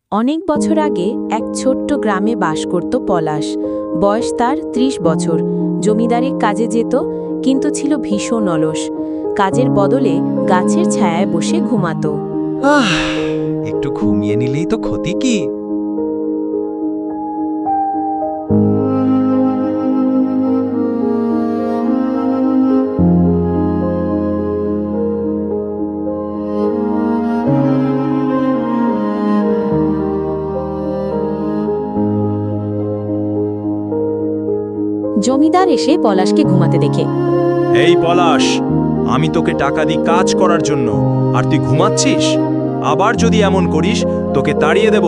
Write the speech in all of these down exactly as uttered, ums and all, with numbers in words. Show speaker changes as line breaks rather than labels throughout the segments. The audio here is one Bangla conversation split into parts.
অনেক বছর আগে এক ছোট্ট গ্রামে বাস করত পলাশ। বয়স তার ত্রিশ বছর। জমিদারির কাজে যেত, কিন্তু ছিল ভীষণ অলস। কাজের বদলে গাছের ছায়ায় বসে ঘুমাতো।
আহ একটু ঘুমিয়ে নিলেই তো ক্ষতি কি।
জমিদার এসে পলাশকে ঘুমাতে দেখে,
এই পলাশ, আমি তোকে টাকা দিই কাজ করার জন্য, আর তুই ঘুমাচ্ছিস? আবার যদি এমন করিস তোকে তাড়িয়ে দেব।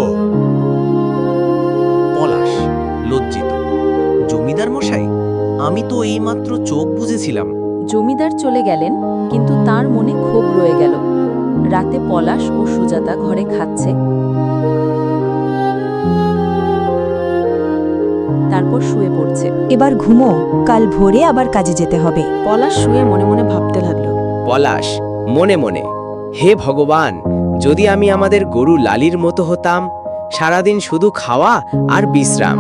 পলাশ লজ্জিত। জমিদার মশাই, আমি তো এইমাত্র চোখ বুজেছিলাম।
জমিদার চলে গেলেন, কিন্তু তার মনে ক্ষোভ রয়ে গেল। রাতে পলাশ ও সুজাতা ঘরে খাচ্ছে, তারপর শুয়ে পড়ছে।
এবার ঘুমো, কাল ভোরে আবার কাজে যেতে হবে।
পলাশ শুয়ে মনে মনে ভাবতে লাগলো,
পলাশ মনে মনে, হে ভগবান, যদি আমি আমাদের গরু লালির মতো হতাম, সারাদিন শুধু খাওয়া আর বিশ্রাম।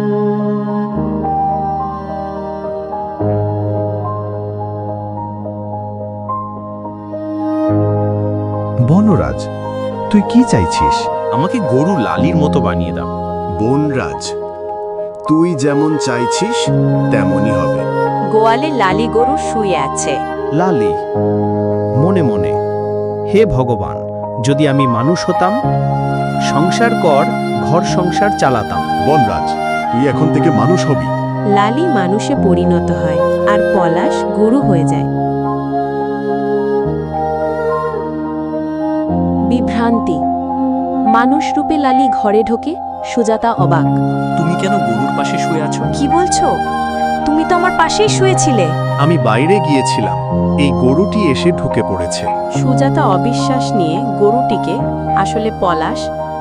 বনরাজ, তুই কি চাইছিস?
আমাকে গরু লালির মতো বানিয়ে দাও।
বনরাজ, তুই যেমন চাইছিস তেমনই হবে।
গোয়ালে লালি গরু শুয়ে আছে।
লালি মনে মনে, হে ভগবান, যদি আমি মানুষ হতাম, সংসার কর ঘর সংসার চালাতাম।
বনরাজ, তুই এখন থেকে মানুষ হবি।
লালি মানুষে পরিণত হয়, আর পলাশ গরু হয়ে যায়। বিভ্রান্তি। মানুষ রূপে লালি ঘরে ঢোকে। সুজাতা অবাক।
তুমি কেন গরুর পাশে শুয়ে আছো?
কি বলছো? তুমি তো আমার পাশেই শুয়েছিলে।
আমি বাইরে গিয়েছিলাম, এই গরুটি এসে ঢুকে পড়েছে।
সুজাতা অবিশ্বাস নিয়ে গরুটিকে আসলে পলাশ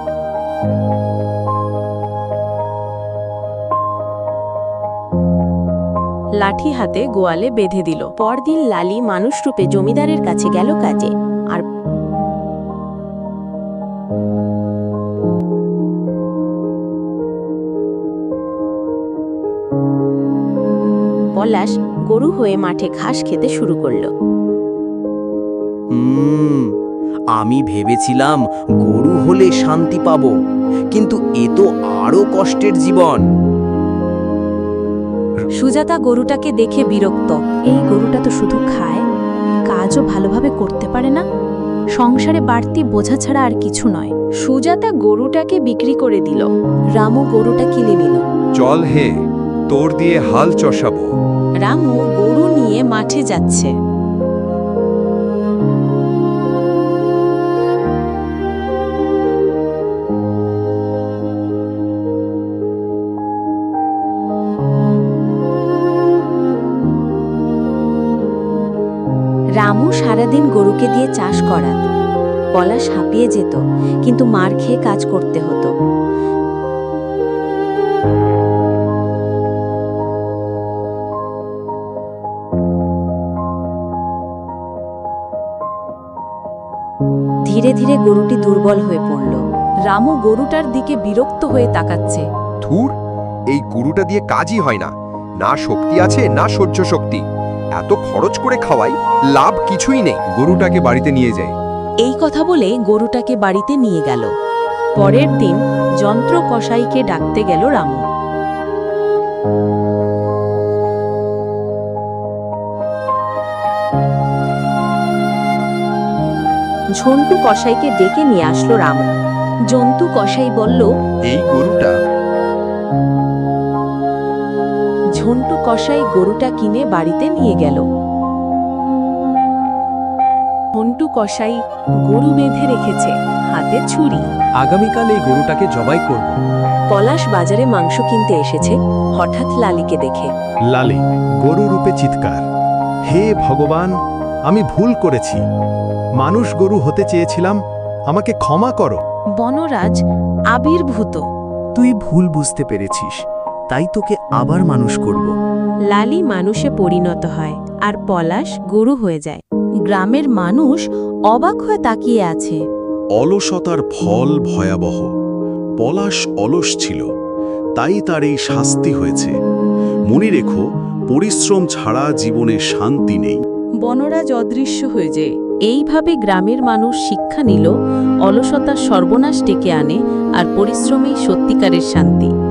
লাঠি হাতে গোয়ালে বেঁধে দিল। পরদিন লালি মানুষ রূপে জমিদারের কাছে গেল কাজে, আর পলাশ গরু হয়ে মাঠে ঘাস খেতে শুরু করলো।
হুম আমি ভেবেছিলাম গরু হলে শান্তি পাবো, কিন্তু এ তো আরো কষ্টের জীবন।
সুজাতা গরুটাকে দেখে বিরক্ত। এই গরুটা তো শুধু খায়, কাজও ভালোভাবে করতে পারে না। সংসারে বাড়তি বোঝা ছাড়া আর কিছু নয়। সুজাতা গরুটাকে বিক্রি করে দিল। রামু গরুটা কিনে নিল।
চল হে, তোর দিয়ে হাল চষাবো।
রামু গরু নিয়ে মাঠে যাচ্ছে। রামু সারাদিন গরুকে দিয়ে চাষ করাত। পলাশ হাঁপিয়ে যেত, কিন্তু মার খেয়ে কাজ করতে হতো। ধীরে ধীরে গরুটি দুর্বল হয়ে পড়ল। রামু গরুটার দিকে বিরক্ত হয়ে তাকাচ্ছে।
ধুর, এই গরুটা দিয়ে কাজই হয় না, না শক্তি আছে না সহ্য শক্তি। এত খরচ করে খাওয়াই, লাভ কিছুই নেই। গরুটাকে বাড়িতে নিয়ে যাই।
এই কথা বলে গরুটাকে বাড়িতে নিয়ে গেল। পরের দিন যন্ত্র কসাইকে ডাকতে গেল রামু। ঝন্টু কসাইকে ডেকে নিয়ে আসলো রামু। জন্তু কসাই বলল,
এই গরুটা।
ঝন্টু কসাই গরুটা কিনে বাড়িতে নিয়ে গেল। ঝন্টু কসাই গরু বেঁধে রেখেছে, হাতে ছুরি।
আগামীকাল এই গরুটাকে জবাই করব।
পলাশ বাজারে মাংস কিনতে এসেছে, হঠাৎ লালিকে দেখে।
লালি গরু রূপে চিৎকার, হে ভগবান, আমি ভুল করেছি। মানুষ গরু হতে চেয়েছিলাম, আমাকে ক্ষমা করো।
বনরাজ আবির্ভূত।
তুই ভুল বুঝতে পেরেছিস, তাই তোকে আবার মানুষ করব।
লালি মানুষে পরিণত হয়, আর পলাশ গরু হয়ে যায়। গ্রামের মানুষ অবাক হয়ে তাকিয়ে আছে।
অলসতার ফল ভয়াবহ।
পলাশ অলস ছিল, তাই তার এই শাস্তি হয়েছে। মনে রেখো, পরিশ্রম ছাড়া জীবনে শান্তি নেই।
বনরাজ অদৃশ্য হয়ে যায়। এইভাবে গ্রামের মানুষ শিক্ষা নিল অলসতার সর্বনাশ ডেকে আনে আর পরিশ্রমেই সত্যিকারের শান্তি।